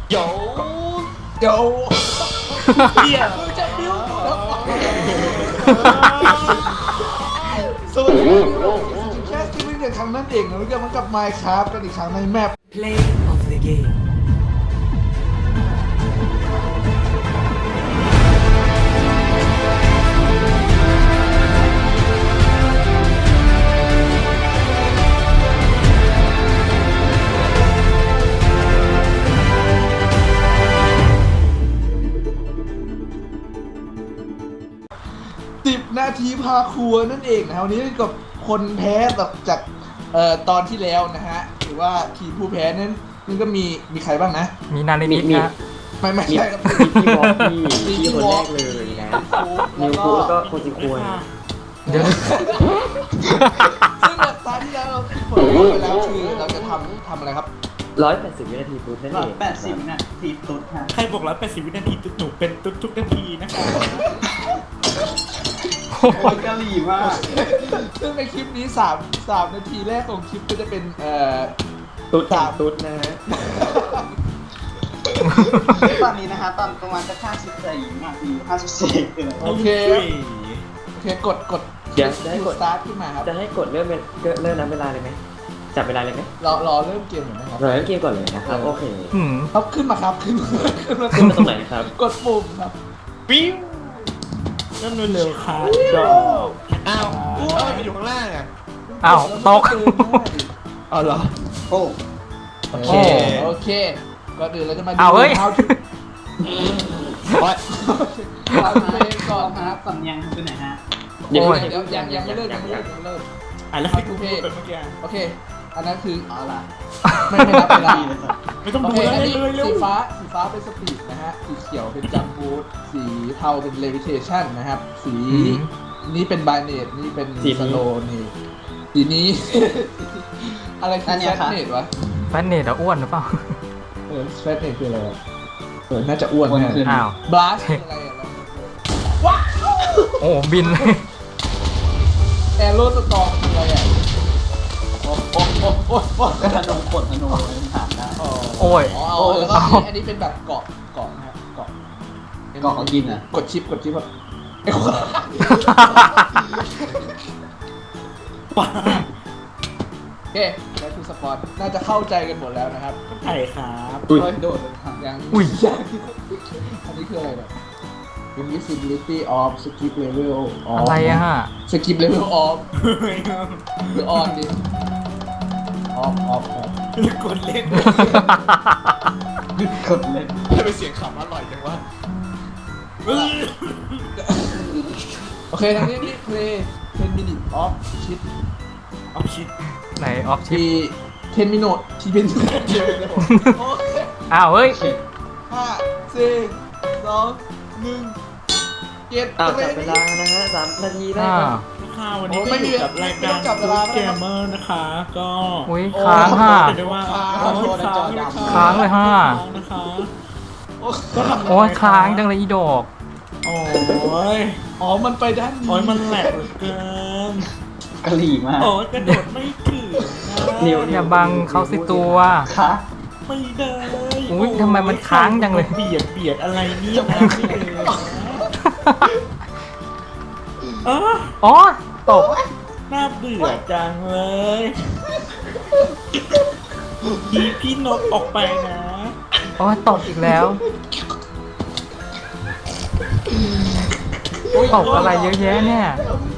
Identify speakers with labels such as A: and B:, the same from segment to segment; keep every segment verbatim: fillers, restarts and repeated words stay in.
A: โยโยเฮียมึงจะบิ้วสวัสดีครับแคสติ้งอย่างครั้งนั้นเองนะรู้จักมันกับ Minecraft กันอีกครั้งในแมป
B: Play of the game
A: สิบนาทีพาครัวนั่นเองนะวันนี้กับคนแพ้แบบจากเอ่อตอนที่แล้วนะฮะหรือว่าทีมผู้แพ้นั้นนี่ก็มีมีใครบ้างนะ
C: มีนาในนิดนะ
A: ไม่ไม่ใช่ครับ
D: มีพี่วอลพี่พี่คนแรกเลยนะนิวคูแล้วก็โคจิควร
C: เดี๋ยว
A: ซึ่งแบบตอนที่แล้วเราคิดผลไปแล้วคือเราจะทำทำอะไรครับ
D: ร้อยแปดสิบวินาทีปุ๊บนั่น
E: ร้อ
D: เอย ง
E: แปดสิบนาทีตุ๊ดฮะ
B: ใครบอกร้อยแปดสิบวินาทีตุ๊ดหนูเป็นตุ๊ดทุกนาทีนะคะ
E: โอ้ยกะหรี่มาก
A: ซึ่งในคลิปนี้สามสามนาทีแรกของคลิปก็จะเป็นเอ่อ
D: ตุ๊ดสามตุ๊ดนะฮะ
E: ตอนนี้นะฮะตอนประมาณจะห้าสิบสี่นาทีห้าสิบสี่เลย
A: โอเคโอเคกดกด
D: เดี๋ยวจะให้กด
A: สตาร์ทขึ้นมาครับ
D: จะให้กดเริ่มเเริ่มนับเวลาเลยไหมจับเวลาเลยไหม
A: รอรอเริ่มเกมหน่อยนะครับ
D: เราเริ่มเกมก่อนเลยนะครับโอเค
C: หืม
A: ครับขึ้นมาครับขึ้นมาขึ้นมา
D: ขึ้นมาตรงไหนครับ
A: กดปุ่มครับ
B: ปิ้วเริ่มเร็วๆค่ะดอก
A: อ้าวทำไมมันอยู่ข้างล่างอ่ะ
C: อ้าวตก
A: อ๋อเหรอ
E: โอ้
A: โอเคโอเคก่อนอื่นเราจะมาดู
C: เอาเฮ้ย
A: how to ว่าเราเพลงก่อน
E: ค
A: นะ
E: รั
A: ค
E: บ
A: รับ
E: สำเนียงเป็นไหนฮะ
D: เดี๋ยว
C: โอ้ย
A: เดี๋ยวยังยังไม่เริ่มยังไม่เริ่มยังไม่เริ่ม
B: อ่ะแล้วให้กูพูดแบบเมื่อกี้
A: โอเค อันนั้นคือ
E: เอาล่ะ
A: ไม่ไม่นับเวลา
E: ดีเลยครับ
B: ไม่ต้อง
A: โอ
B: ดู
A: เค
B: แล้ว
A: อันนี้
B: เลยเร็ว
A: สีฟ้าสีฟ้าเป็นสปีดนะฮะสีเขียวเป็นจัมบูทสีเทาเป็นเลวิเทชันนะครับสีนี้เป็นบายเนตนี่เป็นสโลนี่สีนี้ อะไรคือแฟตเนตวะ
C: แฟนเนตอะอ้วนหรือเปล่า
A: เออแฟตเนตคืออะไรวะเออน่าจะอ้วนแน่
C: อ้าว
A: บลัสคืออะไรอะว้าว
C: โอ้บินเลย
A: แอโรสตอร์คืออะไรอ่ะโอ้โหโอ้โหโอ้โห
E: ก็ธนูกดธนูเลยถามได้
C: โอ้ย
A: อ๋อเอาแล้วก็อันนี้อันนี้เป็นแบบเกาะเกาะนะครับเกาะ
E: เกาะเขากินอ่ะ
A: กดชิปกดชิปแบบไอ้คน
B: ป้า
A: โอเคแล้วทูสปอร์ตน่าจะเข้าใจกันหมดแล้วนะครับ
B: ไข่ครับ
E: โอ้ยโดดเลยครับ
A: ยัง
C: อุ้ย
A: ยังอันนี้คืออะไรแบบ invisibility of skip level off
C: อะไรอะฮะ
A: skip level off หรือ on ดิ off off ครับ
B: กดเล่น
E: กดเลย
A: จะไปเสียงขำอร่อยจังวะโอเคทางนี้นี่ play ten minutes off shit
B: เอาชิด
C: ไหนออฟชิป
A: ที่ten minutes ที่เป็นเดียวเลยผมโอเค
C: อ้าวเฮ้ย
A: ห้าสี่สองหนึ่งเจ็ด
D: อ้าวจับเวลานะฮะสามนาทีได้
C: อ้า
D: คว รับ
B: ค่ะวันนี้ก็อยู่กับรายการตุ๊ดเกมเมอร์นะคะ ก็
C: อุ้ยค้างห้า
B: เรียกได้ว่าค้างเลยค่ะ
C: ค้างเลยห้า
B: ค้างนะคะ
A: โอ้
B: ก็ทำ
C: โอ้ยค้างจังเลยอีดอก
B: โอ้ย
A: อ๋อมันไปด้านนี้
B: โอ้ยมันแหลกเหลือเกิน
E: กะหรี่มาก
B: โอ้ยกระโดดไม่ถึงนะ
D: นิว
C: อย่าบังเขาสิตัว
E: คะ
B: ไม่ได้
C: อุ๊ยทำไมมันค้างจังเลย
B: เบียดเบียดอะไรเนี่ยนะไม่เลยเออ
C: อ๋อตก
B: น่าเบื่อจังเลยดีพี่นกออกไปนะ
C: โอ้ยตกอีกแล้ว ตกอะไรเยอะแยะเนี่ย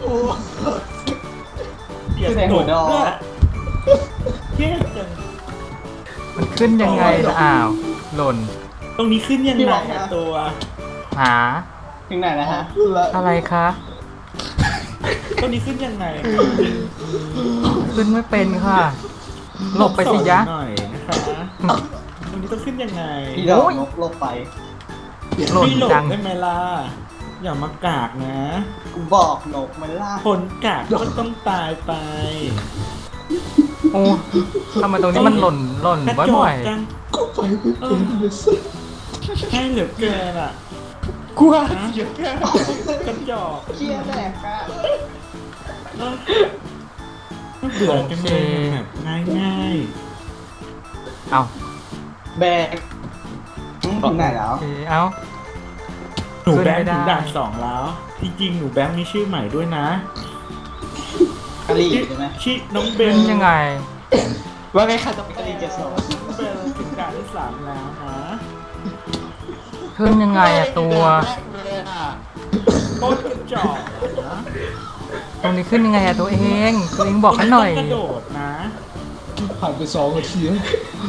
B: เบียด
E: แสงหัวดอก
B: แย่จัง
C: มันขึ้นยังไงล่ะอ้าว หล่น
B: ตรงนี้ขึ้นยังไงอะตัว
C: หา
E: ถึงไหนนะฮะ
C: อะไรคะ
B: ตรงนี้ขึ้นยังไง
C: ขึ้นไม่เป็นค่ะ หลบไปสิยะ
B: หน่อยนะคะตรงนี้ต้องขึ้นยังไง
E: พี่ดอกนกโลกไป
C: หล่น
B: ไม่หลบ
C: จัง
B: ได้ไหมล่ะอย่ามากากนะ
E: กูบอกนกมันล่า
B: คนกากก็ต้องตายไป
C: โอ้ทำไมตรงนี้มันหล่นหล่น
B: กระจ
C: บ่
B: อ
C: อก ย
B: จัง
A: ก็ไปไม่เป็นเลยสิ
B: ให้เหลือเกินอ่ะ
A: กูว่า
B: ฮะกระจอก
E: เคี้ยแดกอะ
B: เออน่าเบื่อจังเลยแบบง่าย
C: ๆเอา
E: แบกถึงไหนแล้ว
C: โอเคเอ้า
B: หนูแบง
C: ขึ้
B: ค์
C: นไม่ได้
B: ถึงด่านสองแล้ว จริงๆ หนูแบงค์มีชื่อใหม่ด้วยนะ
E: กะหรี่ใช่ไหม
B: ชื่อน้องเบล
C: เป็นยังไง
D: ว่าไงคะต้อง
E: กะหรี่เจ็ดสอง
B: น้องเบลถึงด่านที่สามแล้วนะ
C: ขึ้นยังไงอะตัว
B: โคตรกระจอกนะ
C: ตรงนี้ขึ้นยังไงอะตัวเองตัวเองบอกกันหน่อย
B: ต้งกระโดดนะ
A: ผ่านไปสองนาทีแล้ว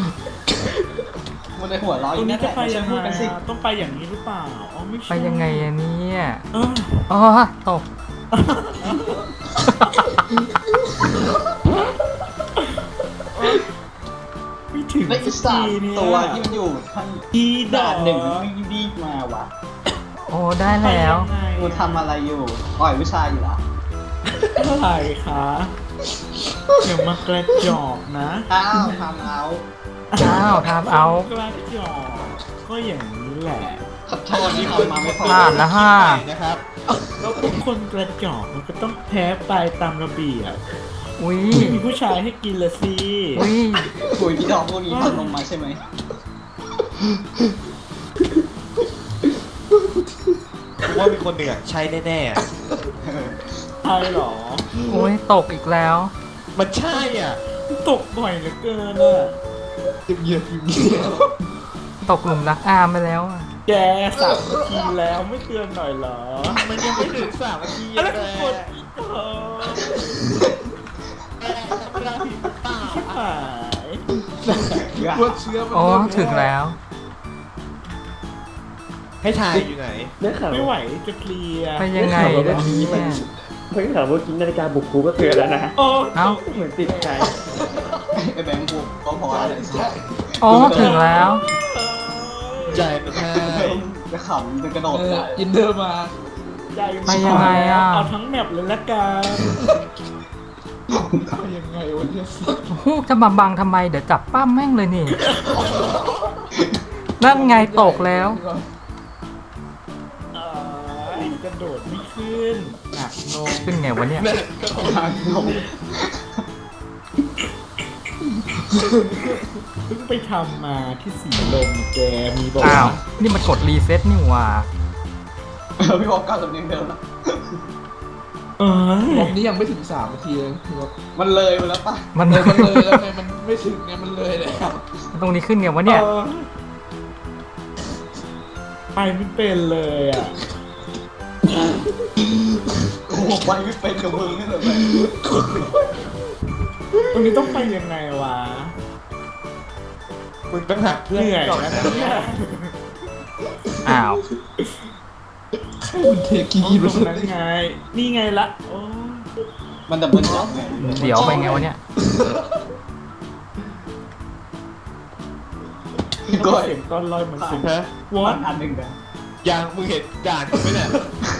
E: มันในหัวเร้อ
B: ต
E: อ
B: รง
E: ยู่
B: นี้
E: นั่นแห
B: จะ
E: ละ
B: ไป
E: ไม่ใช่
B: ยัง
E: พู
B: ไง
E: ดกันสิ
B: อะต้องไปอย่างนี้หรือเปล่า อ๋อไม่ใช่
C: ไปยังไงอะเนี่ย
B: เออ
C: อ๋อตก
B: ไม่ถึง
E: และอี
B: สั
E: สาก
B: ทีเนี่ย
E: ตัวที่มันอยู่ทั้ง
B: อีดอ
E: ด่าก นหนึ่งไม่รีบมาวะ
C: โอ้ได้แล้ว
B: ไปยังไง
E: กูทำอะไรอยู่ปล่อยวิชาอยู่เหรอ
B: อะไรคะอย่ามากระจอกนะ
E: อ้าวทำเอา
C: อ้าวทำเอา
B: กระจอกก็อย่างนี้แหละ
E: ขอโทษที่ทำมาไม่พอ
C: พลาดละห้า
D: นะครับ
B: แล้วทุกคนกระจอกมันก็ต้องแพ้ไปตามระเบียบ
C: อุ้ย
B: ไม่มีผู้ชายให้กินละสิ
C: อุ้ย
E: คุยพี่ดอกพวกนี้ทำลงมาใช่ไหม
D: ผมว่ามีคนหนึ่งอ่ะใช่แน่ๆอะ
B: ใช่หรอ
C: โอ้ยตกอีกแล้ว
D: มันใช่อ่ะ
B: ตกบ่อยเหลือเกินอ่ะ
A: เงียบๆเงียบ
C: ตกหลุมรักอามไปแล้วอะ
B: แกสามนาทีแล้วไม่เตือนหน่อยเหรอ
D: มันยังไม่ถึงสามนาที
B: อะไร
D: เล
B: กัน
D: ย
B: กดอีกเหรอชิบหาย
A: ๆพวกเชื้อมัน
C: โอ้
A: เริ่ม
C: ถึงแล้ว
D: ให้ทายอยู่ไหน
B: ไม่ไหวจะเคลียร์
C: ไปยังไงล่ะเนี่ย
D: เพิ่งถามว่ากินนาฬิกาบุกครูก็เตือนแล้วนะ
B: โอ้
C: เอ้า
D: เหมือนติดใจ
E: ไอ้แบงค์บุกก็พออะไร
A: ใช่
C: อ๋อถึงแล้ว
D: ใจมันให้
E: จะขำจะกระโดด
A: เออ
E: ได้
A: อินเดอร์มา
B: ใจ
C: ไปยังไงอะ
B: เอาทั้งแมปเลยละกัน
A: ไปยังไงวะเนี่ย
C: โอ้โหจะมาบังทำไม เดี๋ยวจับป้ามแม่งเลยนี่ นั่นไงตกแล้ว
B: เอ้ยกระโดดไม่ขึ้นหนักนม
C: ขึ้นไงวะเนี่ย
E: ทางลง
B: เพิ่งไปทำมาที่สีลมแกมีบอก
C: อ้าว
B: ว่า
C: นี่มันกดรีเซ็ตนี่หว่า
E: เออพี่บอกก้าวสำเนียงเดิมนะ
B: เอ้ย
A: รอบนี้ยังไม่ถึงสามนาทีเลยคือว่า
E: มันเลยไปแล้วป่ะ
C: มัน
A: เลยมันเลยแล้วไงมันไม่ถึงไงมันเลยแล้ว
C: ตรงนี้ขึ้นไงวะเนี่ย
B: ออไปไม่เป็นเลยอ่ะ
E: โอ้โหไปไม่เป็นกับมึงนี่เลยแบงค์
B: ตรงนี้ต้องไปยังไงวะ
D: มึงต้องหักเพื่อน
B: เหนื่อย
D: ก่อน
B: นะ
D: นะ
B: เนี่ย
C: อ้าว
A: มันเทกี
B: ต
A: ไป
B: รง
A: เล
B: นั้น
A: ย
B: ไง นี่ไงละโอ้
E: มันดับเบิลจ็อบไง
C: เดี๋ยวไปไงวะเนี่ย
E: พี่
B: ก็
E: ก้อย
B: เสียงก้อนลอยเหมือนเสียง
D: ฮะ
B: วอ
E: อั
B: น
E: นอันหนึ่งกัน
D: ยังมึงเห็นด่านกูไหมเนี่ย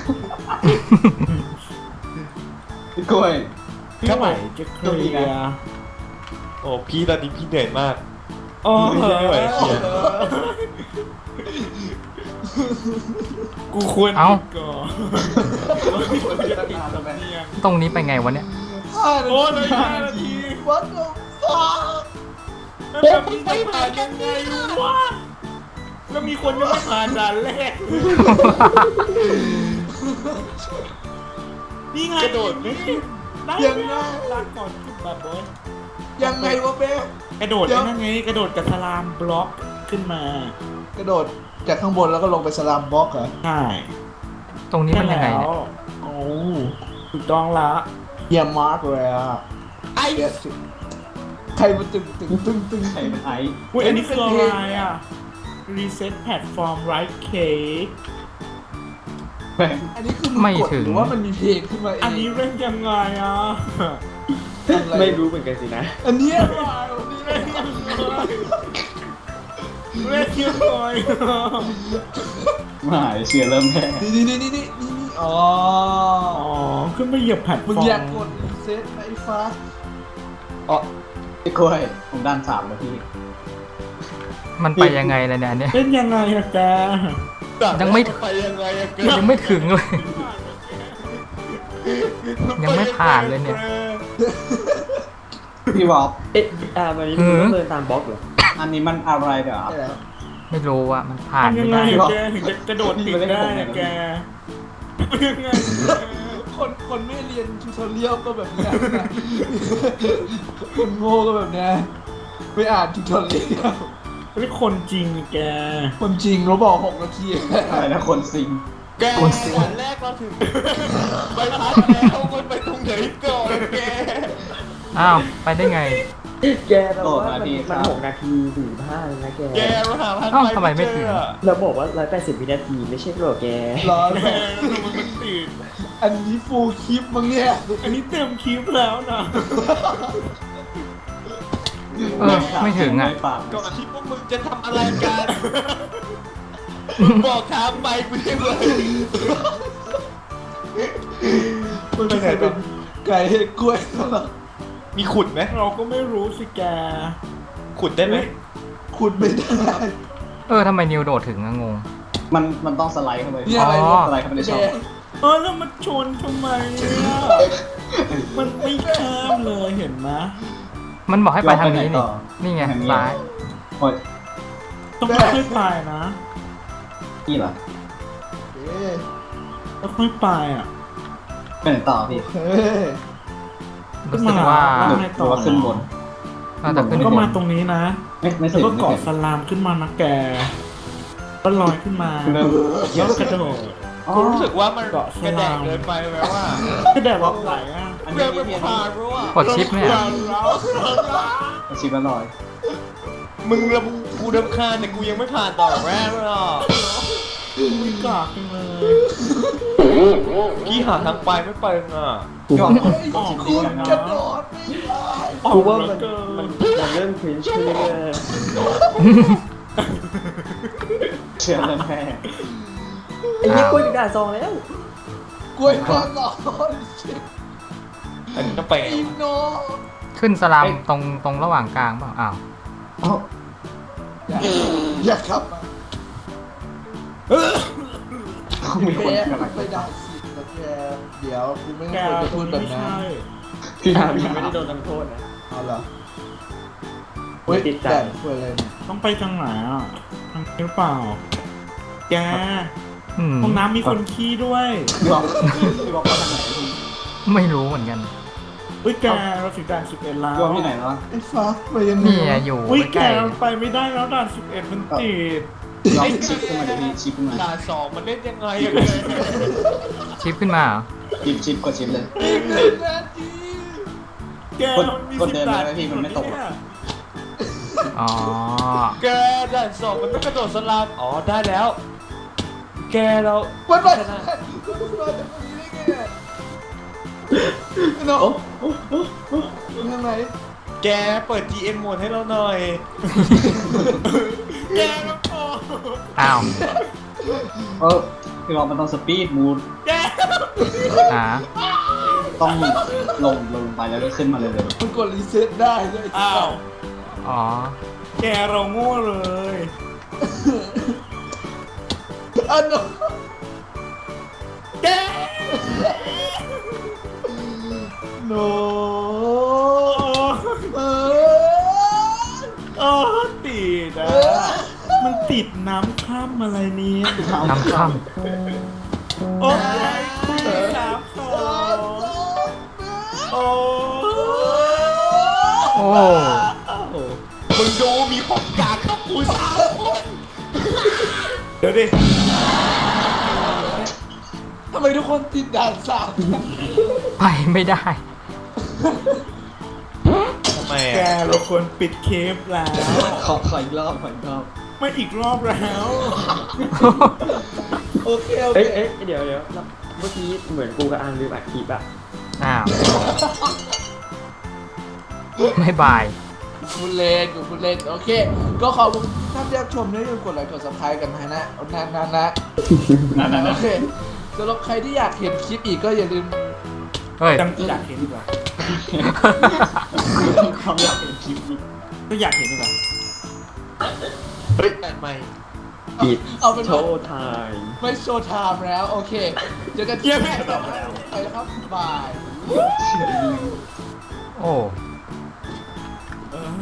E: พี่ก้อย
B: ไม่ไหวจะเคลียร์
D: โอ้พี่ตอนนี้พี่เหนื่อยมาก
B: โอ้โห
D: ไม่ไหวเคลียร์
B: กูควร
C: เอ้า
B: หยุดก่อนจะติดสำเนียง
C: ตรงนี้ไปไงวะเนี่ย
B: โอ้เลยห้านาที
A: วัดโอ้ฟ้า
B: แล้วแบบนี้จะผ่านยังไงวะแล้วมีคนยังไม่ผ่านด่านแรกนี่ไง
D: กระโดดไม่ขึ้น
B: ได้ไงลาก่อนขึ้นแบบบอย
A: ยังไงวะเบล
B: กระโดดไอ้นั่นไงกระโดดกับสลามบล็อกขึ้นมาก
A: ระโดดจากข้างบนแล้วก็ลงไปสลามบล็อกเหรอ
B: ใช่
C: ตรงนี้มันยังไงเนี่ย
B: โอ้ถูกต้องละ
A: เยี่ยมมากเลยอ่ะไอ้ใครมันตึงตึงตึงตึง
E: ใครเป็นไอ้
B: อุ้ยอันนี้คืออะไรอ่ะ reset platform right cake
E: แบงค์
A: อันนี้คือ
C: ไม่
A: กด
C: ถึง
A: หรือว่ามันมีเพลงขึ้นมาเอง
B: อันนี้เล่นยังไงอ่ะ
A: อะไร
D: ไม่รู้เหมือนกันสินะ
A: อันเนี้ยอะไรอันนี้
B: เล่นยังไงเล่นยังไง
E: ไม่หายเชื่อเริ่มแพ้
A: นี่นี่นี่นี่นี่นี่อ๋อ
B: อ๋อขึ้นไปเหยียบแพลตฟ
A: มึง
B: อร์ม
A: อยากกดรีเซ็ตไอ้ฟ้า
E: อ๋อพี่ก้อยผมด้านสามนาที
C: มันไปยังไงเลยเนี่ยอันเนี่ย
B: เล่นยังไงอะแก
C: ยังไม่
D: ไปยังไงอะเกิ
C: ยังไม่ถึงเลย ยังไม่ผ่านเลยเนี่ย
E: พี่บอก
D: เอ๊ะอ่าวันนี้มึงต้องเดินตามบล็อกเหรอ
E: อันนี้มันอะไรเดี๋ยว
A: ใช่แล้ว
C: ไม่รู้ว่ามันผ่าน
B: ทำยั
C: ไม่
B: งไง
C: ได้
B: อะแกถึงจะกระโดดติดได้อะแกยังไง
A: คนคนไม่เรียนทูทอเรียลก็แบบเนี้ยคนโง่ก็แบบเนี้ยไม่อ่านทูทอเรียล
B: ไม่คนจริงแก
A: คนจริงเราบอกหกนาที
E: อะไรนะคนซิง
F: แกด่านแรกเราถึงใบพัดแล้วมันไปตรงไหนก่อนแก
C: อ้าว ไปได้ไง
D: แกเราว่ามันมันหกนาทีสี่ห้าเลยนะแก
F: แกเราหาพัน
C: เอ้า
F: ไป
C: ทำไมไม่ถึง
F: เจอ
D: เราบอกว่าร้อยแปดสิบวินาทีไม่ใช่หรอแก
A: ร้อน
B: แกมันมันติด
A: อันนี้ฟูลคลิปมั้งเนี่ย
B: อันนี้เต็มคลิปแล้วนะ
C: เออ ไม่ถึงอ่ะ
E: ปาก
F: ก่อนที่พวกมึงจะทำอะไรกันมึงบอกทางไปกูใช่ไหม
A: มันไม่เคยเป็นไก่เห็ดกล้วยหรอก
F: มีขุดไหม
B: เราก็ไม่รู้สิแก
F: ขุดได้ไหม
A: ขุดไม่ได้
C: เออทำไมนิวโดดถึงอะงง
E: มันมันต้องสไลด์เข้าไป
A: เนี่ยอะไร
C: อ๋อ
E: สไลด์เข้าไปในช่อง
B: เออแล้วมันชนทำไมอ่ะมันไม่ข้ามเลยเห็นไหม
C: มันบอกให้ไปทางนี้
E: เรา
C: นี่
E: ไปไหนต่อ
C: นี่ไง
E: ทางนี้
C: ซ้าย
E: โอ้ย
B: ต้องค่อยๆไปนะ
E: นี่เหรอ
A: เอ๊ะ
B: ค่อยๆไปอ่ะ
E: ไปไหนต่อพี่
A: เฮ้ย
C: รู้สึกว่า
E: หรือหรือว่าขึ้นบน
C: น่าจะขึ้น
B: แล้วก็
C: บ
B: มาน ตรงนี้นะ
E: ไม่ไม่
B: แล้
E: ถึ
B: ว
E: ง
B: ก็
E: ไม่
B: เกาะ
E: ถึง
B: สลามขึ้นมานะแกก็ลอยขึ้นมา
E: เริ่ม
B: แล้วก็กระโดด
E: อ๋อ
F: กูรู้สึกว่ามัน
B: เกาะส
F: กระแด
B: ลาก ม
F: เกินไปไหมว่า
B: ก็แดดรับไหลอ่ะ
E: อัน
F: เพื่
E: นี้
F: อน
E: พี่
F: ไม่
E: พี่
F: ผ่านรู้อ่ะ
C: กดชิปเนี่ย
E: อาชีพละร้อย
F: มึงระบุกูดำคาญแต่กูยังไม่ผ่านต่อแรกเลยอ่ะ
B: ไม่กากจังเลย
F: พี่หาทางไปไม่เป็นอ่ะ
E: ก็
B: ออก
A: คุ
B: เล
A: ณ
B: ยนะ
A: กระโดดไม่ได้
B: ออก
D: กูว่า
B: เหลื
D: มั
B: อน เกิน
D: มันมันเริ่มครินช์ขึ้นเรื่อย
E: เชื่อแล้วแม่
D: ๆไอ้ยี่กล้วยถึงด่านซองแล้ว
A: กล้วยก้อนร้อน
F: อันนี้ก็ไป
A: อีโน
C: ขึ้นสลามตรงตรงระหว่างกลางเปล่าอ้าว
E: เอ้า
A: อย่าอย่าขับมา
E: มีคน
A: แก
E: กำลัง
A: ไม่ได้สินะแกเดี๋ยวกูไม่
B: แก
A: ควรจะ
B: ตร
A: พู
B: ง
A: ด
B: นี้
A: แบบ
B: ไม่
A: นั้น
B: ใช่
E: พี่
D: อ่า
E: ทำ
D: พี่
E: พี่
D: ไม่
E: ไม่
D: ได้
E: ได้
D: โด
E: โด
D: น
E: น
D: ทำโทษนะ
A: เอาเหรอเฮ้ย
D: ติดใจ
A: แต่เพื่อนเลย
B: ต้องไปทางไหนอ่ะทางนี้หรือเปล่า แก
C: อืม
B: ห้องน้ำมีคนขี้ด้วย
E: พี่บอกพี่บอกว่าทางไหนพี่
C: ไม่รู้เหมือนกัน
B: เฮ้ยแกเราถึงด่านสิบเอ็ดแล้ว
E: พี่บอกที่ไหนแล้ว
A: ไอ้ฟ้าไปยังไง
C: นี่อะอยู่
B: อุ้ยแก
C: ใกล้
B: มันไปไม่ได้แล้วด่านสิบเอ็ดมันติด
E: ลองชิปขึ้นมาเดี๋ยวพี่ชิปขึ้นมา
F: ด่านสองมันเล่นยังไงอะ
C: ๆชิปขึ้นมาเหรอ
E: ชิปชิปกดชิปเลย
A: อีกหนึ่งนาที
B: แกมันมี
E: กด
B: สิบ
E: เดิน
B: ด่าน
E: ไปพี่มันไม่ตกหรอก
C: อ๋อ
F: แกด่านสองมันไม่กระโดดสลามอ๋อได้แล้ว แกเรา
A: วันไป
F: ชนะ
A: วันไปจะตรงนี้ได้ไงไอ้น้องทางไหน
F: แกเปิด จี เอ็ม โหมดให้เราหน่อย
B: แกมันโกง
C: อ้าว
E: เออพี่บอกมันต้องสปีดมูด
B: แก
C: หา
E: ต้องลงลงไปแล้วก็ขึ้นมาเลยเลย
A: มันกดรีเซ็ตได้ด้วย
B: อ้าว
C: อ๋อ
B: แกเราโง่เลย
A: อันน้อง
B: แก
A: โน
B: โอ้
A: เออ
B: โอ้ติดอ่ะมันติดน้ำข้ามอะไรเนี่ย
C: น้ำข้าม
B: โอ้ยน้ำข้ามโอ้
C: โอ้
F: มึงดูมีของกลางครับกูสามคน
B: เดี๋ยวดิ
A: ทำไมทุกคนติดด่านสาม
C: ไปไม่ได้
F: ทำไม
B: แก
F: อะ
B: เราควรปิดเคปแล้ว
E: ขอขออีกรอบขออีกรอบ
B: ไม่อีกรอบแล้ว
A: โอเคโอเค
D: เอ้ยเอ้ยเดี๋ยวเดี๋ยวแล้วเมื่อกี้เหมือนกูกับอันลืมอัดคลิปอะ
C: อ้าวไม่บาย
A: คุณเล่นกับคุณเล่นโอเค ก็ขอบคุณท่านที่รับชมนะอย่าลืมกดไลค์กด subscribe กันนะนะนานๆนะโอเคสำหรับใครที่อยากเห็นคลิปอีกก็อย่าลืม
C: เฮ้ย
B: จังอยากเห็นดีกว่า
E: ความอยากเป็นคลิปนี้
B: ก็อยากเห็นดีกว่า
F: เฮ้ยแต่ใหม่
D: ปิด
A: เอาเป็น
D: โช
A: ว่า
D: ว์ไทม์
A: ไม่โชว์ไทม์แล้ว โอเคเจอกันที่แม่ต่อไปแล้วไปแล้วครับบาย
C: โอ้
B: เออ